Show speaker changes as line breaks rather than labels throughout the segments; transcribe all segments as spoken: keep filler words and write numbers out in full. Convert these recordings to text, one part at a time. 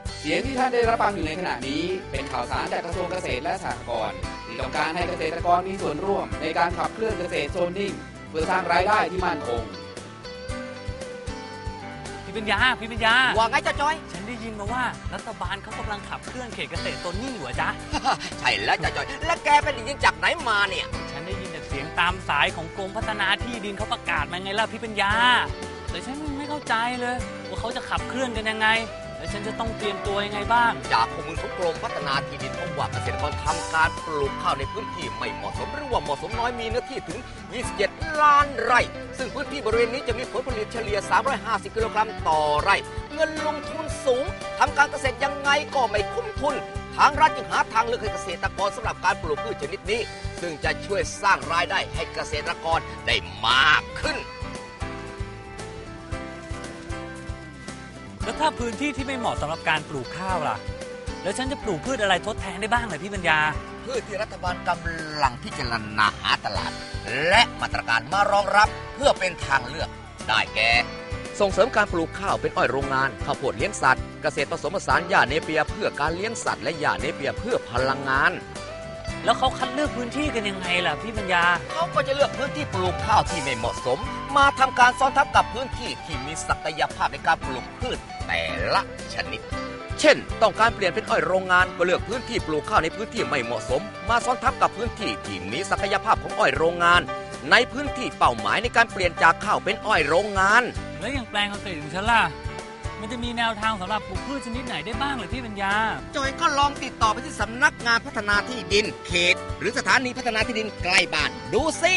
เสียงที่ท่านได้รับฟังอยู่ในขณะนี้เป็นข่าวสารจากกระทรวงเกษตรและสหกรณ์ที่ต้องการให้เกษตรกรมีส่วนร่วมในการขับเคลื่อนเกษตรโซนนิ่งเพื่อสร้างรายได้ที่มั่นคง
พี่ปัญญาพี่ปัญญา
ว่าไงเจ้าจอย
ฉันได้ยินมาว่ารัฐบาลเขากำลังขับเคลื่อนเขตเกษตรโซนนิ่งอยู่จ๊ะ
ใช่แล้วเจ้าจอยและแกเป็นยินจากไหนมาเนี่ย
ฉันได้ยินจากเสียงตามสายของกรมพัฒนาที่ดินเขาประกาศมาไงล่ะพี่ปัญญาแต่ฉันไม่เข้าใจเลยว่าเขาจะขับเคลื่อนกันยังไงแล้วฉันจะต้องเตรียมตัวยังไงบ้าง
จากข้อมูลของกรมพัฒนาที่ดินพบว่าเกษตรกรทำการปลูกข้าวในพื้นที่ไม่เหมาะสมหรือว่าเหมาะสมน้อยมีเนื้อที่ถึงยี่สิบเจ็ดล้านไร่ซึ่งพื้นที่บริเวณนี้จะมีผลผลิตเฉลี่ยสามร้อยห้าสิบกิโลกรัมต่อไร่เงินลงทุนสูงทำการเกษตรยังไงก็ไม่คุ้มทุนทางรัฐจึงหาทางเลือกให้เกษตรกรสำหรับการปลูกพืชชนิดนี้ซึ่งจะช่วยสร้างรายได้ให้เกษตรกรได้มากขึ้น
แล้วถ้าพื้นที่ที่ไม่เหมาะสำหรับการปลูกข้าวล่ะแล้วฉันจะปลูกพืชอะไรทดแทนได้บ้างเลยพี่ปัญญา
พืชที่รัฐบาลกำลังพิจารณาหาตลาดและมาตรการมารองรับเพื่อเป็นทางเลือกได้แก่ส่งเสริมการปลูกข้าวเป็นอ้อยโรงงานข้าวโพดเลี้ยงสัตว์เกษตรผสมผสานหญ้าเนเปียเพื่อการเลี้ยงสัตว์และหญ้าเนเปียเพื่อพลังงาน
แล้วเขาคัดเลือกพื้นที่กันยังไงล่ะพี่ปัญญา
เขาก็จะเลือกพื้นที่ปลูกข้าวที่ไม่เหมาะสมมาทำการซ้อนทับกับพื้นที่ที่มีศักยภาพในการปลูกพืชแต่ละชนิดเช่นต้องการเปลี่ยนเป็นอ้อยโรงงานก็เลือกพื้นที่ปลูกข้าวในพื้นที่ไม่เหมาะสมมาซ้อนทับกับพื้นที่ที่มีศักยภาพของอ้อยโรงงานในพื้นที่เป้าหมายในการเปลี่ยนจากข้าวเป็นอ้อยโรงงาน
แล้วอย่างแปลงเกษตรของฉันล่ะมันจะมีแนวทางสำหรับปลูกพืชชนิดไหนได้บ้างเลยพี่ปัญญา
จอยก็ลองติดต่อไปที่สำนักงานพัฒนาที่ดินเขตหรือสถานีพัฒนาที่ดินใกล้บ้านดูสิ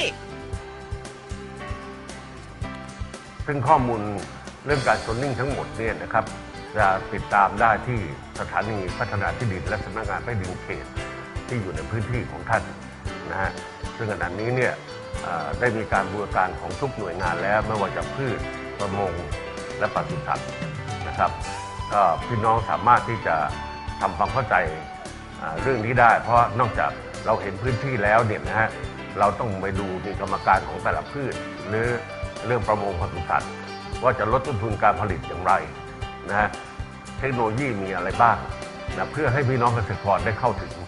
ซึ่งข้อมูลเรื่องการโซนนิ่งทั้งหมดเนี่ยนะครับจะติดตามได้ที่สถานีพัฒนาที่ดินและสำนักงานที่ดินเขตที่อยู่ในพื้นที่ของท่านนะฮะซึ่งขณะนี้เนี่ยได้มีการบูรณาการของทุกหน่วยงานแล้วไม่ว่าจะพืชประมงและปศุสัตว์นะครับก็พี่น้องสามารถที่จะทำความเข้าใจเรื่องนี้ได้เพราะนอกจากเราเห็นพื้นที่แล้วเนี่ยนะฮะเราต้องไปดูมีกรรมการของแต่ละพืชหรือเรื่องประมงปศุสัตว์ว่าจะลดต้นทุนการผลิตอย่างไรนะฮะเทคโนโลยีมีอะไรบ้างนะเพื่อให้พี่น้องเกษตรกรได้เข้าถึง